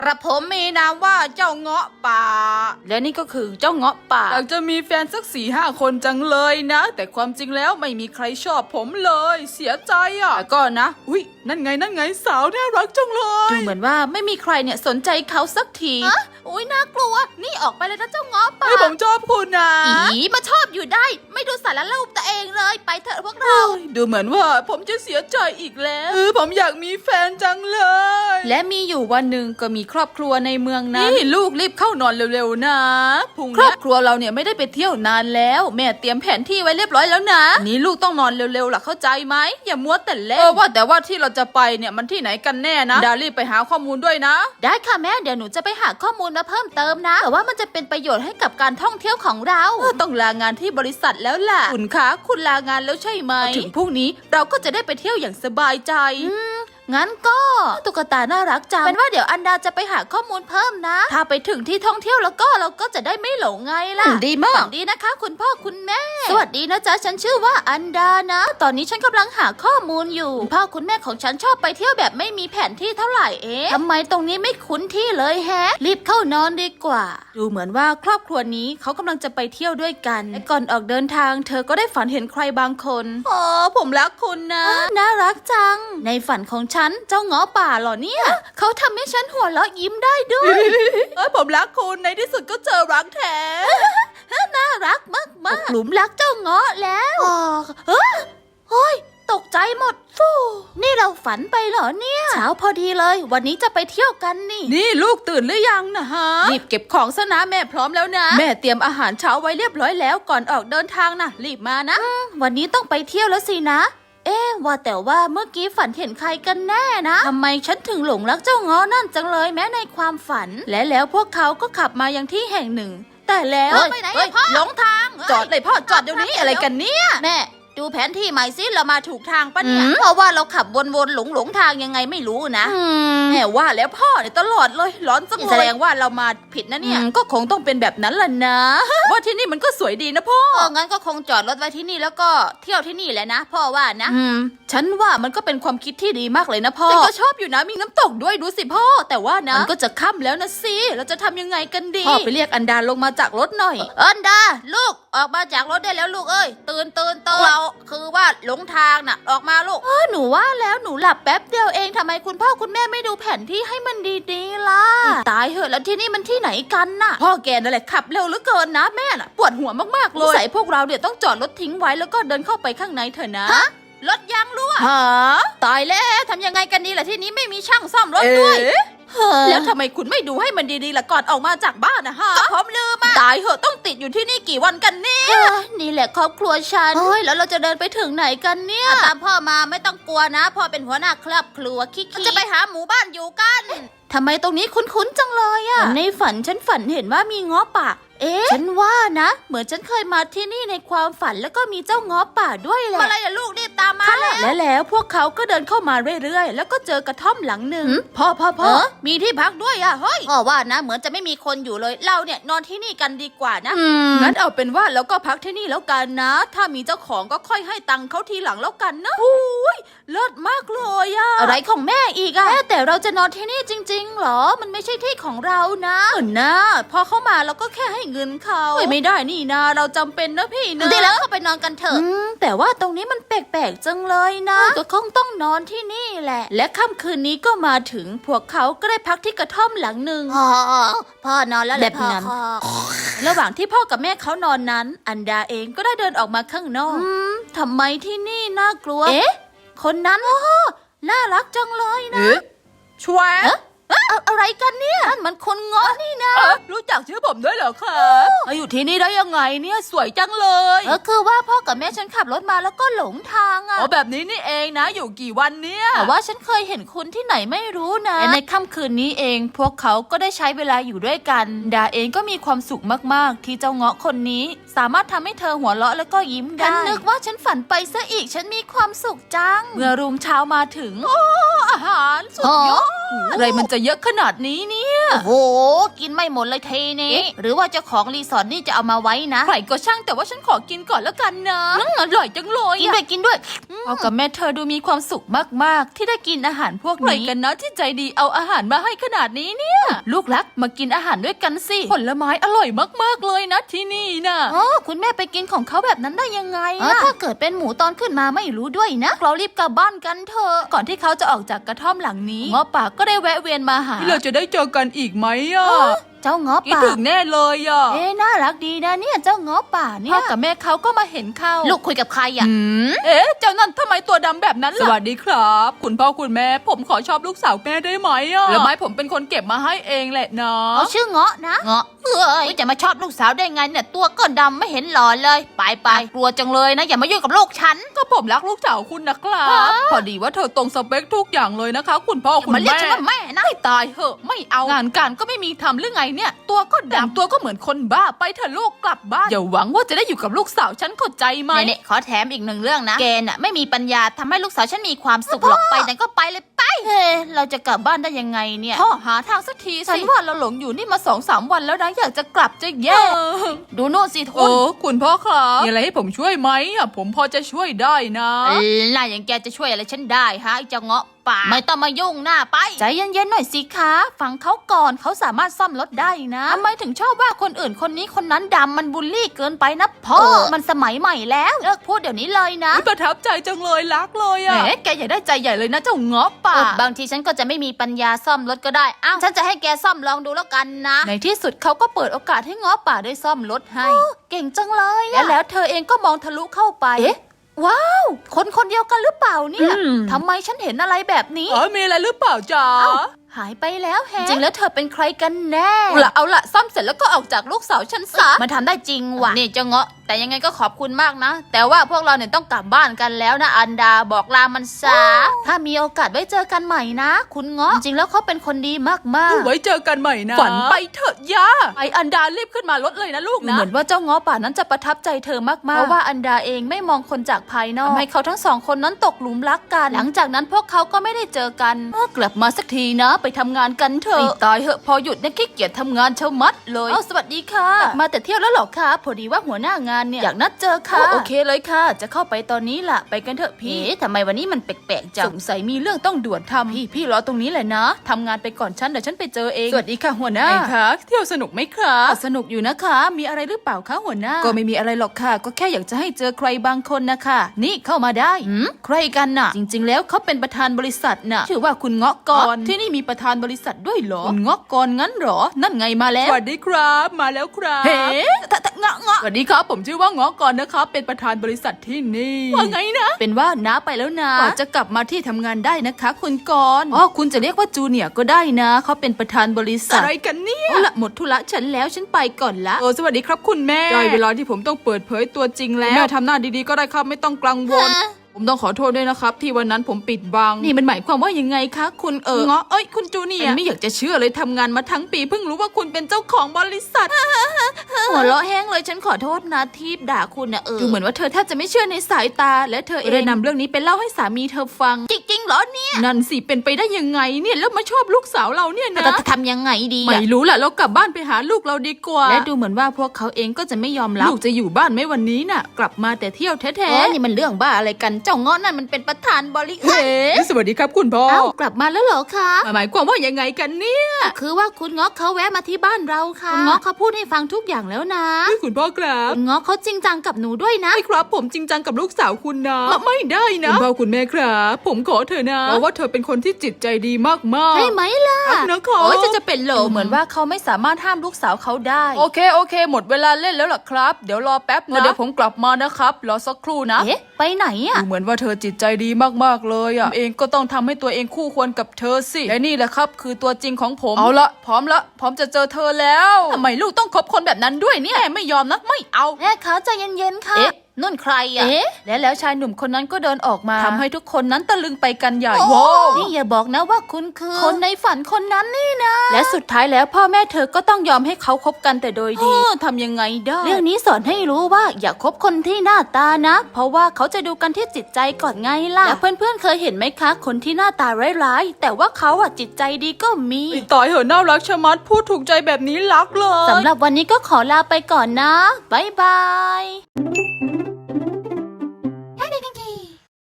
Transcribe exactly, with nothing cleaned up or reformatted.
กระผมมีนามว่าเจ้าเงาะป่าและนี่ก็คือเจ้าเงาะป่าอยากจะมีแฟนสักสี่ห้าคนจังเลยนะแต่ความจริงแล้วไม่มีใครชอบผมเลยเสียใจอ่ะแต่ก็นะอุ้ยนั่นไงนั่นไงสาวน่ารักจังเลยดูเหมือนว่าไม่มีใครเนี่ยสนใจเขาสักทีอะอุ้ยน่ากลัวนี่ออกไปเลยนะเจ้าเงาะป่าผมชอบคุณนะอีมาชอบอยู่ได้ไม่ดูสารรูปตัวเองเลยไปเถอะพวกเราดูเหมือนว่าผมจะเสียใจอีกแล้วเออผมอยากมีแฟนจังเลยและมีอยู่วันหนึ่งก็มีครอบครัวในเมืองนั้นนี่ลูกรีบเข้านอนเร็วๆนะพรุ่งนี้ครอบครัวเราเนี่ยไม่ได้ไปเที่ยวนานแล้วแม่เตรียมแผนที่ไว้เรียบร้อยแล้วนะนี่ลูกต้องนอนเร็วๆล่ะเข้าใจไหมอย่ามัวแต่เล่นเออว่าแต่ว่าที่เราจะไปเนี่ยมันที่ไหนกันแน่นะดารีบไปหาข้อมูลด้วยนะได้ค่ะแม่เดี๋ยวหนูจะไปหาข้อมูลมาเพิ่มเติมนะแต่ว่ามันจะเป็นประโยชน์ให้กับการท่องเที่ยวของเราต้องลางานที่บริษัทแล้วล่ะคุณคะคุณลางานแล้วใช่ไหมถึงพรุ่งนี้เราก็จะได้ไปเที่ยวอย่างสบายใจงั้นก็ตุ๊กตาน่ารักจังเป็นว่าเดี๋ยวอันดาจะไปหาข้อมูลเพิ่มนะถ้าไปถึงที่ท่องเที่ยวแล้วก็เราก็จะได้ไม่หลงไงล่ะดีมากดีนะคะคุณพ่อคุณแม่สวัสดีนะจ๊ะฉันชื่อว่าอันดานะตอนนี้ฉันกำลังหาข้อมูลอยู่พ่อคุณแม่ของฉันชอบไปเที่ยวแบบไม่มีแผนที่เท่าไหร่เอ๊ะทำไมตรงนี้ไม่คุ้นที่เลยแฮะรีบเข้านอนดีกว่าดูเหมือนว่าครอบครัวนี้เขากำลังจะไปเที่ยวด้วยกันและก่อนออกเดินทางเธอก็ได้ฝันเห็นใครบางคนอ๋อผมรักคุณนะน่ารักจังในฝันของฉันเจ้าเงาะป่าเหรอเนี่ยเขาทำให้ฉันหัวเราะยิ้มได้ด้วยเอ้ยผมรักคุณในที่สุดก็เจอรักแท้น่ารักมากมากหลุมรักเจ้าเงาะแล้วเฮ้ยเฮ้ยตกใจหมดฟูนี่เราฝันไปเหรอเนี่ยเช้าพอดีเลยวันนี้จะไปเที่ยวกันนี่นี่ลูกตื่นหรือยังนะฮะรีบเก็บของซะนะแม่พร้อมแล้วนะแม่เตรียมอาหารเช้าไว้เรียบร้อยแล้วก่อนออกเดินทางนะรีบมานะวันนี้ต้องไปเที่ยวแล้วสินะเอ๊ะว่าแต่ว่าเมื่อกี้ฝันเห็นใครกันแน่นะทำไมฉันถึงหลงรักเจ้าเงาะนั่นจังเลยแม้ในความฝันและแล้วพวกเขาก็ขับมายังที่แห่งหนึ่งแต่แล้วไปไหนพ่อหลงทางจอดเลยพ่อจอดเดี๋ยวนี้อะไรกันเนี่ยแม่ดูแผนที่ใหม่สิเรามาถูกทางปะเนี่ยเพราะว่าเราขับวนๆหลงหลงทางยังไงไม่รู้นะแม่ว่าแล้วพ่อเนี่ยตลอดเลยร้อนจังเลยแสดงว่าเรามาผิดนะเนี่ยก็คงต้องเป็นแบบนั้นล่ะนะว่าที่นี่มันก็สวยดีนะพ่องั้นก็คงจอดรถไว้ที่นี่แล้วก็เที่ยวที่นี่แหละนะพ่อว่านะฉันว่ามันก็เป็นความคิดที่ดีมากเลยนะพ่อฉันก็ชอบอยู่นะมีน้ำตกด้วยดูสิพ่อแต่ว่านะมันก็จะค่ำแล้วนะสิเราจะทำยังไงกันดีพ่อไปเรียกอันดาลงมาจากรถหน่อยอันดาลูกออกมาจากรถได้แล้วลูกเอ้ยตื่นตื่นตื่นเราคือว่าหลงทางน่ะออกมาลูกเออหนูว่าแล้วหนูหลับแป๊บเดียวเองทำไมคุณพ่อคุณแม่ไม่ดูแผนที่ให้มันดีๆล่ะตายเหอะแล้วที่นี่มันที่ไหนกันน่ะพ่อแกนั่นแหละขับเร็วเหลือเกินนะแม่น่ะปวดหัวมากๆเลยใส่พวกเราเนี่ยต้องจอดรถทิ้งไว้แล้วก็เดินเข้าไปข้างในเถอะนะรถยางรั่วฮะตายแล้วทำยังไงกันดีล่ะที่นี้ไม่มีช่างซ่อมรถด้วยแล้วทำไมคุณไม่ดูให้มันดีๆล่ะก่อนออกมาจากบ้านนะฮะก็ผมลืมอะตายเหอะต้องติดอยู่ที่นี่กี่วันกันเนี่ยนี่แหละครอบครัวฉันเฮ้ยแล้วเราจะเดินไปถึงไหนกันเนี่ยตามพ่อมาไม่ต้องกลัวนะพ่อเป็นหัวหน้าครอบครัวคิกๆจะไปหาหมู่บ้านอยู่กันทำไมตรงนี้คุ้นๆจังเลยอะในฝันฉันฝันเห็นว่ามีเงาะป่าเอ๊ะฉันว่านะเหมือนฉันเคยมาที่นี่ในความฝันแล้วก็มีเจ้าเงาะป่าด้วยแหละอะไรอะลูกรีบตามมาแล้วแล้วพวกเขาก็เดินเข้ามาเรื่อยๆแล้วก็เจอกระท่อมหลังหนึ่งพ่อพ่อพ่อมีที่พักด้วยอะเฮ้ยพ่อว่านะเหมือนจะไม่มีคนอยู่เลยเราเนี่ยนอนที่นี่กันดีกว่านะงั้นเอาเป็นว่าเราก็พักที่นี่แล้วกันนะถ้ามีเจ้าของก็ค่อยให้ตังค์เขาทีหลังแล้วกันนะอุ้ยเลิศมากเลยอะอะไรของแม่อีกอะแต่เราจะนอนที่นี่จริงๆหรอมันไม่ใช่ที่ของเรานะเออนะพอเข้ามาเราก็แค่ให้เงินเขาไม่ได้นี่นะเราจำเป็นนะพี่นะได้แล้วเข้าไปนอนกันเถอะแต่ว่าตรงนี้มันแปลกๆจังเลยนะก็คงต้องนอนที่นี่แหละและค่ำคืนนี้ก็มาถึงพวกเขาก็ได้พักที่กระท่อมหลังหนึ่งพ่อพ่อนอนแล้วแบบนั้นระหว่างที่พ่อกับแม่เขานอนนั้นอันดาเองก็ได้เดินออกมาข้างนอกทำไมที่นี่น่ากลัวเอ๊ะคนนั้นโอ้น่ารักจังเลยนะช่วยอะไรกันเนี่ยมันคนเงาะนี่นะรู้จักชื่อผมด้วยเหรอคะมาอยู่ที่นี่ได้ยังไงเนี่ยสวยจังเลยเออคือว่าพ่อกับแม่ฉันขับรถมาแล้วก็หลงทางอ่ะอ๋อแบบนี้นี่เองนะอยู่กี่วันเนี่ยแต่ว่าฉันเคยเห็นคุณที่ไหนไม่รู้นะและในค่ำคืนนี้เองพวกเขาก็ได้ใช้เวลาอยู่ด้วยกันดาเองก็มีความสุขมากๆที่เจ้าเงาะคนนี้สามารถทำให้เธอหัวเราะแล้วก็ยิ้มได้ฉันนึกว่าฉันฝันไปซะอีกฉันมีความสุขจังเมื่อรุ่งเช้ามาถึงโอ้อาหารสุดยอดอะไรมันจะเยอะขนาดนี้เนี่ยโอ้โหกินไม่หมดเลยเทนี่หรือว่าเจ้าของรีสอร์ทนี่จะเอามาไว้นะใครก็ช่างแต่ว่าฉันขอกินก่อนแล้วกันนะอืมอร่อยจังเลยกินด้วยกินด้วยพ่อกับแม่เธอดูมีความสุขมากๆที่ได้กินอาหารพวกนี้ใครกันนะที่ใจดีเอาอาหารมาให้ขนาดนี้เนี่ยลูกรักมากินอาหารด้วยกันสิผลไม้อร่อยมากๆเลยนะที่นี่นะอ๋อคุณแม่ไปกินของเขาแบบนั้นได้ยังไงอะถ้าเกิดเป็นหมูตอนขึ้นมาไม่รู้ด้วยนะเรารีบกลับบ้านกันเถอะก่อนที่เขาจะออกจากกระท่อมหลังนี้ง้อป่าก็ได้แวะเวียนมาหาเราจะได้เจอกันอีกไหมอ่ะเจ้าง้อคิดป่าถึงแน่เลยอ่ะเอ๊ะน่ารักดีนะเนี่ยเจ้าง้อป่าเนี่พ่อย กับแม่เขาก็มาเห็นเข้าลูกคุยกับใครอ่ะอืมเอ๊ะเจ้านั่นทำไมตัวดำแบบนั้นล่ะสวัสดีครับ คุณพ่อคุณแม่ผมขอชอบลูกสาวแม่ได้ไหมอ่ะแล้วไม้ผมเป็นคนเก็บมาให้เองแหละนะเขาชื่อเงาะนะเงาะเอ้ยจะมาชอบลูกสาวได้ไงเนี่ยตัวก็ดำไม่เห็นหล่อเลยไปไปกลัวจังเลยนะอย่ามายุ่งกับลูกฉันก็ผมรักลูกสาวคุณนะครับฮะพอดีว่าเธอตรงสเปคทุกอย่างเลยนะคะ คุณพ่อคุณมันเรียกแม่ฉันว่าแม่นะให้ตายเหอะไม่เอางานการก็ไม่มีทำหรือไงเนี่ย ตัวก็ดำตัวก็เหมือนคนบ้าไปเถอะลูกกลับบ้านอย่าหวังว่าจะได้อยู่กับลูกสาวฉันเข้าใจไหมเนี่ยๆขอแถมอีกหนึ่งเรื่องนะแกน่ะไม่มีปัญญาทำให้ลูกสาวฉันมีความสุขหรอกไปไหนก็ไปเลยไปเฮ้เราจะกลับบ้านได้ยังไงเนี่ยพ่อหาทางสักทีฉันว่าเราหลงอยู่นี่มาสองสามวันแล้วนะอยากจะกลับจะแย่ดูโน่นสิโอ้ทุนคุณพ่อครับมีอะไรให้ผมช่วยไหมอ่ะผมพอจะช่วยได้นะเอ้ยน่าอย่างแกจะช่วยอะไรฉันได้ฮะไอ้เจ้าเงาะป่าไม่ต้องมายุ่งหน้าไปใจเย็นๆหน่อยสิคะฟังเขาก่อนเขาสามารถซ่อมรถได้นะทำไมถึงชอบว่าคนอื่นคนนี้คนนั้นดำมันบูลลี่เกินไปนะพ่อมันสมัยใหม่แล้วเลิกพูดเดี๋ยวนี้เลยนะประทับใจจังเลยรักเลยแหมอ่ะแกอย่าได้ใจใหญ่เลยนะเจ้าเงาะป่าเออบางทีฉันก็จะไม่มีปัญญาซ่อมรถก็ได้อ้าวฉันจะให้แกซ่อมลองดูแล้วกันนะในที่สุดเขาก็เปิดโอกาสให้เงาะป่าได้ซ่อมรถให้เก่งจังเลยและอะแล้วเธอเองก็มองทะลุเข้าไปเอ๊ะว้าวคนคนเดียวกันหรือเปล่าเนี่ยอืมทำไมฉันเห็นอะไรแบบนี้เออมีอะไรหรือเปล่าจ๊ะเอ้า หายไปแล้วแฮะจริงแล้วเธอเป็นใครกันแน่เอาละเอาละซ่อมเสร็จแล้วก็ออกจากลูกสาวฉันซะมันทำได้จริงว่ะนี่เจ้าเงาะแต่ยังไงก็ขอบคุณมากนะ แต่ว่าพวกเราเนี่ยต้องกลับบ้านกันแล้วนะอันดาบอกลามันซะถ้ามีโอกาสไว้เจอกันใหม่นะ คุณเงาะจริงๆแล้วเขาเป็นคนดีมากๆไว้เจอกันใหม่นะฝันไปเถอะย่าไออันดารีบขึ้นมารถเลยนะลูกนะเหมือนว่าเจ้าง้อป่านั้นจะประทับใจเธอมากๆเพราะว่าอันดาเองไม่มองคนจากภายนอกทำให้เขาทั้งสองคนนั้นตกหลุมรักกัน หลังจากนั้นพวกเขาก็ไม่ได้เจอกันเมื่อกลับมาสักทีนะ ไปทำงานกันเถอะตายเหอะพอหยุดเนี่ยขี้เกียจทำงานเช้ามัดเลยเอ้าสวัสดีค่ะกลับมาแต่เที่ยวแล้วหรอคะพอดีว่าหัวหน้างานเนี่ยอยากนัดเจอค่ะโอเคเลยค่ะ จะเข้าไปตอนนี้ล่ะไปกันเถอะพี่ทำไมวันนี้มันแปลกๆจังสงสัยมีเรื่องต้องด่วนทำพี่พี่รอตรงนี้แหละนะทำงานไปก่อนฉันเดี๋ยวฉันไปเจอเองสวัสดีค่ะหัวหน้าไงคะเที่ยวสนุกไหมคะสนุกอยู่นะคะ มีอะไรหรือเปล่าคะหัวหน้าก็ไม่มีอะไรหรอกค่ะ ก็แค่อยากจะให้เจอใครบางคนนะคะนี่เข้ามาได้หืมใครกันน่ะ จริง ๆ แล้วเขาเป็นประธานบริษัทน่ะชื่อว่าคุณเงาะกรที่นี่มีประธานบริษัทด้วยเหรอคุณเงาะกรงั้นเหรอนั่นไงมาแล้วสวัสดีครับมาแล้วครับเฮ้ตะตะเงาะเงาะสวัสดีครับผมชื่อว่าเงาะกรนะครับเป็นประธานบริษัทที่นี่ว่าไงนะเป็นว่าน้าไปแล้วนะกว่าจะกลับมาที่ทำงานได้นะคะ คุณกรอ๋อคุณจะเรียกว่าจูเนียร์ก็ได้นะเขาเป็นประธานบริษัทอะไรกันเนี่ยเอาละหมดธุระฉันแล้วฉันไปก่อนละโอ้สวัสดีครับคุณแม่ได้เวลาที่ผมต้องเปิดเผยตัวจริงแล้วแม่ทำหน้าดีๆก็ได้ครับไม่ต้องกังวล ผมต้องขอโทษด้วยนะครับที่วันนั้นผมปิดบังนี่มันหมายความว่ายังไงคะคุณเออเงาะเอ้ยคุณจูเนียร์ไม่อยากจะเชื่อเลยทำงานมาทั้งปีเพิ่งรู้ว่าคุณเป็นเจ้าของบริษัทหัวเราะแห้งเลยฉันขอโทษนะที่ด่าคุณนะเออดูเหมือนว่าเธอแทบจะไม่เชื่อในสายตาและเธอเองได้นำเรื่องนี้ไปเล่าให้สามีเธอฟังจริงๆเหรอเนี่ยนั่นสิเป็นไปได้ยังไงเนี่ยแล้วมาชอบลูกสาวเราเนี่ยนะแต่จะทำยังไงดีไม่อะรู้แหละเรากลับบ้านไปหาลูกเราดีกว่าและดูเหมือนว่าพวกเขาเองก็จะไม่ยอมรับลูกจะอยู่บ้านไหมวันนี้น่ะ กลับมาแต่เที่ยวแท้เอ๊ะนี่มันเรื่องบ้าอะไรกันเจ้าเงาะนั่นมันเป็นประธานบริๆเฮ้สวัสดีครับคุณพ่อเอ้ากลับมาแล้วเหรอคะหมายความว่ายังไงกันเนี่ยคือว่าคุณเงาะเขาแวะมาที่บ้านเราค่ะคุณเงาะเขาพูดให้ฟังทุกอย่างแล้วนะคุณพ่อครับคุณเงาะเขาจริงจังกับหนูด้วยนะไม่ครับผมจริงจังกับลูกสาวคุณนะไม่ได้นะคุณพ่อคุณแม่ครับผมขอเธอนะเพราะว่าเธอเป็นคนที่จิตใจดีมากๆใช่ไหมล่ะครับนะคะโอ้ยจะจะเป็นโหลเหมือนว่าเขาไม่สามารถห้ามลูกสาวเขาได้โอเคโอเค หมดเวลาเล่นแล้วล่ะครับเดี๋ยวรอแป๊บนะเดี๋ยวผมกลับมานะครับรอสักครู่นะเอ๊ะไปไหนอะดูเหมือนว่าเธอจิตใจดีมากๆเลยอ่ะเองก็ต้องทำให้ตัวเองคู่ควรกับเธอสิและนี่แหละครับคือตัวจริงของผมเอาละพร้อมละพร้อมจะเจอเธอแล้วทำไมลูกต้องคบคนแบบนั้นด้วยเนี่ยแม่ไม่ยอมนะไม่เอาแม่คะใจเย็นๆค่ะเอ๊ะนุ่นใครอะเอ๊ะและแล้วชายหนุ่มคนนั้นก็เดินออกมาทำให้ทุกคนนั้นตะลึงไปกันใหญ่โอ้ว้าวนี่อย่าบอกนะว่าคุณคือคนในฝันคนนั้นนี่นะและสุดท้ายแล้วพ่อแม่เธอก็ต้องยอมให้เขาคบกันแต่โดยดีทำยังไงได้เรื่องนี้สอนให้รู้ว่าอย่าคบคนที่หน้าตานะ เพราะว่าเขาจะดูกันที่จิตใจก่อนไงล่ะและเพื่อนๆเคยเห็นไหมคะ คนที่หน้าตาร้ายๆแต่ว่าเขาอะจิตใจดีก็มีตายเหอะน่ารักชะมัดพูดถูกใจแบบนี้รักเลยสำหรับวันนี้ก็ขอลาไปก่อนนะ บ๊ายบาย